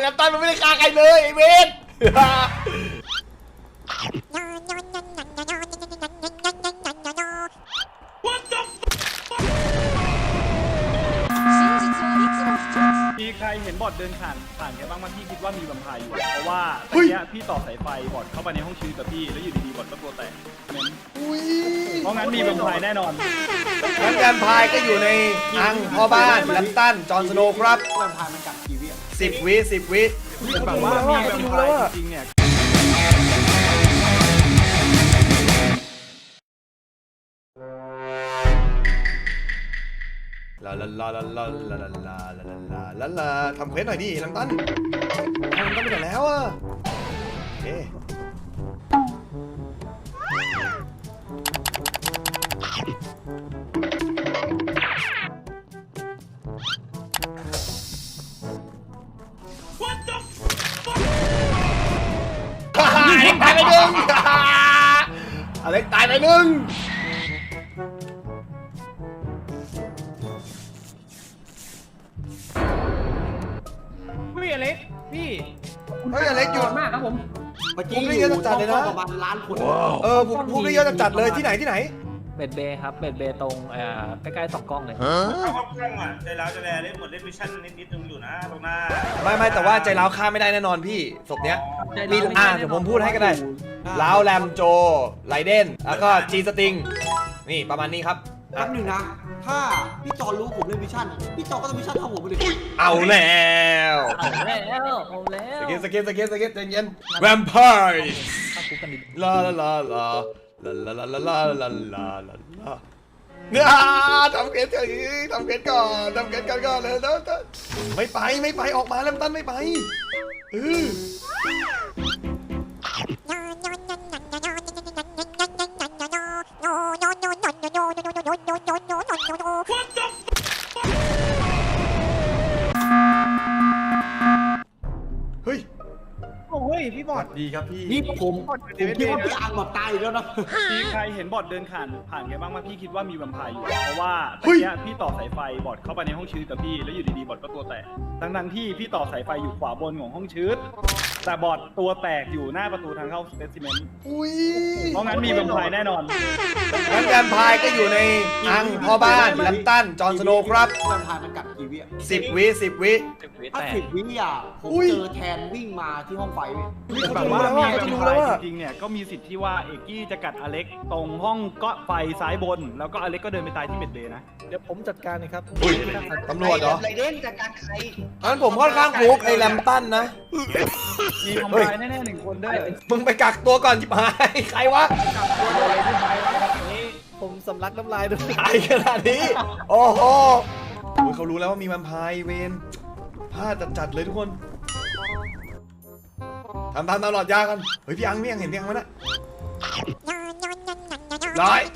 น้ำตาลมันไม่ได้ฆ่าใครเลยไอ้เวทมีใครเห็นบอดเดินผ่านแกบ้างมั้ยพี่คิดว่ามีแวมไพร์อยู่เพราะว่าตอนนี้พี่ต่อสายไฟบอดเข้าไปในห้องชีวิตกับพี่แล้วอยู่ดีๆบอดก็ตัวแตกเพราะงั้นมีแวมไพร์แน่นอนงั้นแวมไพร์ก็อยู่ในอังพ่อบ้านแลมตันจอห์นสโนว์ครับแวมไพร์มันกัดกี่วิ 10 วิแบบว่ามีแวมไพร์จริงๆเนี่ยลาทำเควสหน่อยดิลังตันทำไปไหนแล้วอ่ะโอเคอเล็กตายไปหนึ่งอเล็กตายไปหนึ่งพี่อเล็กพี่เฮ้ยอเล็กหยุดมากครับผมเมื่อกี้ผมได้เยอะจัดเลยนะประมาณล้านคนผมได้เยอะจัดเลยที่ไหนเบ็ดเบย์ครับเบ็ดเบย์ตรงใกล้ๆ2 กล้องเลยเข้ากล้องอ่ะใจร้าวจะแลเล่นหมดเล่นวิชั่นนิดนึงอยู่นะตรงหน้าไม่แต่ว่าใจร้าวฆ่าไม่ได้แน่นอนพี่ศพเนี้ยมีเดี๋ยวผมพูดให้ก็ได้ร้าวแรมโจไลเดนแล้วก็จีสติงนี่ประมาณนี้ครับแป๊บหนึ่งนะถ้าพี่จอรู้ผมเล่นวิชั่นพี่จอก็ต้องวิชั่นเท่าผมไปเลยเอาแล้ว สเก็ตใจเย็นแวมไพร์ลาเนี่ยทำเกตก่อนเลยแล้วไม่ไปออกมาแล้วตั้นไม่ไปเฮ้ยพี่บอดดีครับพี่นี่ผมคิดว่าพี่อังแบบตายแล้วนะมีใครเห็นบอดเดินผ่านแกบ้างมั้ยพี่คิดว่ามีแวมไพร์อยู่เพราะว่าตอนนี้พี่ต่อสายไฟบอดเข้าไปในห้องชีวิตกับพี่แล้วอยู่ดีๆบอดก็ตัวแตกทั้งที่พี่ต่อสายไฟอยู่ขวาบนของห้องชีวิตแต่บอดตัวแตกอยู่หน้าประตูทางเข้าสเปซิเมนต์เพราะงั้นมีแวมไพร์แน่นอนงั้นแวมไพร์ก็อยู่ในอังพ่อบ้านแลมตันจอห์นสโนว์ครับแวมไพร์มันกัดกี่วิ 10 วิถ้า10 วิอ่ะผมเจอแทนวิ่งมาที่ห้องไฟแบบว่ามีแวมไพร์จริงๆเนี่ยก็มีสิทธิ์ที่ว่าเอกกี้จะกัดอเล็กตรงห้องก็ไฟซ้ายบนแล้วก็อเล็กก็เดินไปตายที่เบ็ดเบย์นะเดี๋ยวผมจัดการนะครับตำรวจเหรอไรเด่นจัดการใครงั้นผมค่อนข้างฟุกไอ้แลมตันนะมีทำลายแน่ๆ1 คนด้วยมึงไปกักตัวก่อนจิบหายใครวะผมสำลักน้ำลายด้วยใครขนาดนี้โอ้โหเขารู้แล้วว่ามีแวมไพร์เวนพลาดจัดเลยทุกคนทำตลอดยากันเฮ้ยพี่อังเห็นพี่อังมั้ยนะร้อย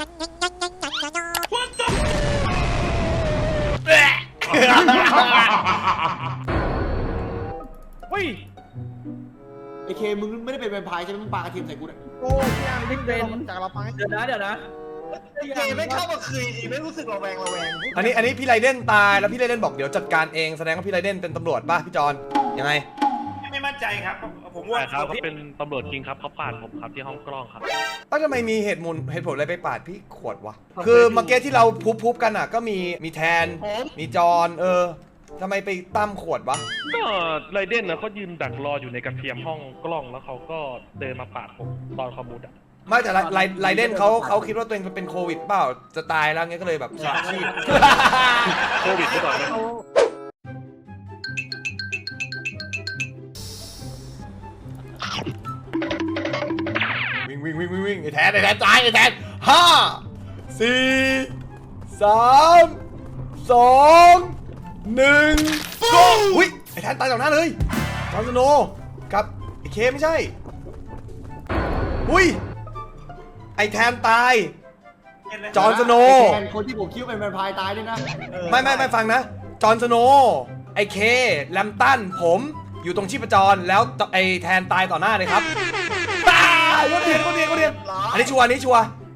เฮ้ยไอเคมึงไม่ได้เป็นแวมไพร์ใช่ไหมมึงปากระเทียมใส่กูเนี่ยโอ้ยยังไม่เป็นจากเราไปเดี๋ยวนะเคไม่เข้ามาคืนดีไม่รู้สึกระแวงอันนี้พี่ไรเดนตายแล้วพี่ไรเดนบอกเดี๋ยวจัดการเองแสดงว่าพี่ไรเดนเป็นตำรวจป่ะพี่จอนยังไงไม่มั่นใจครับผมว่าเขาเป็นตำรวจจริงครับเขาปาดผมครับที่ห้องกล้องครับทำไมมีเหตุผลอะไรไปปาดพี่ขวดวะคือเมื่อกี้ที่เราพุบกันอ่ะก็มีแทนมีจอนทำไมไปตั้มขวดวะก็ไรเดนนะเขายืนดักรออยู่ในกระเทียมห้องกล้องแล้วเขาก็เดินมาปาดผมตอนขมุดอ่ะไม่แต่ไรเดนเขาคิดว่าตัวเองเป็นโควิดเปล่าจะตายแล้วงี้ก็เลยแบบสละชีพโควิดหรือเปล่านะวิ่งไอ้แทนตายไอ้แทน5 4 3 2 1 go อุ้ยไอ้แทนตายต่อหน้าเลยจอห์นสโนว์กับไอ้เคไม่ใช่อุ้ยไอ้แทนตายจอห์นสโนว์คนที่ผมคิดว่าเป็นแวมไพร์ตายด้วยนะไม่ฟังนะจอห์นสโนว์ไอ้เคแลมตันผมอยู่ตรงชีพจรแล้วไอ้แทนตายต่อหน้าเลยครับตายก็เรียนอันนี้ชัวร์